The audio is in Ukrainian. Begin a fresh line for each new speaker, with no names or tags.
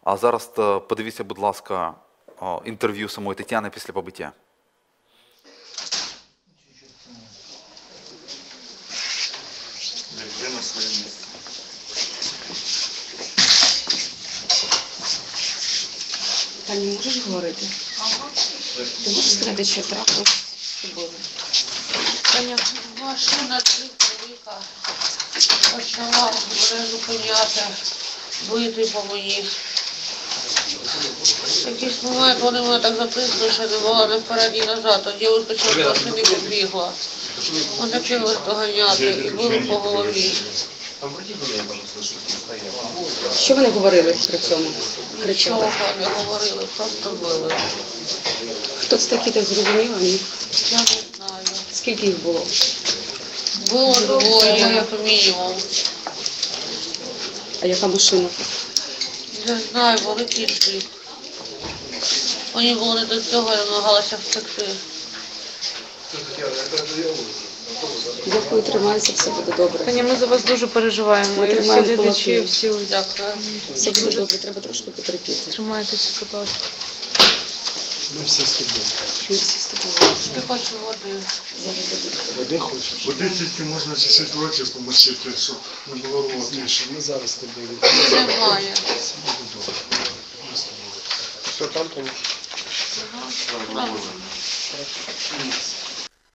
А зараз подивіться, будь ласка, інтерв'ю самої Тетяни після побиття.
На своє місце.
Таня, можеш говорити?
Ага.
Ти можеш сказати, що трапилось з тобою?
Таня, машина велика почала мене зупиняти, бити по мені. В якийсь момент вони мене так затиснули, що не могла не вперед, ні назад. Тоді вискочила з машини і побігла. Вони почали доганяти і били по голові.
Що вони говорили при цьому?
Нічого не говорили, просто били.
Хто це такі, так зрозуміла? Ні?
Я не знаю.
Скільки їх було?
Було двоє, як мінімум.
А яка машина?
Не знаю, великий джип. Мені було не до цього, я намагалася втекти.
Дякую, тримайся, все буде добре.
Таня, ми за вас дуже переживаємо.
Ми
І всі
тримаємо
глядачі,
кулаки.
всі ось.
Дякую.
Все буде добре, треба трошки потерпіти.
Тримайтеся, будь ласка.
Ми всі з тобою.
Ми всі з тобою.
Я хочу води.
Зараз буде.
Води хочеш?
Води тільки можна цю ситуацію помочити, щоб не було рвоти.
Ми зараз з тобою.
Немає.
Все буде добре. Ми з тобою.
Що там, Тоні?
Ага.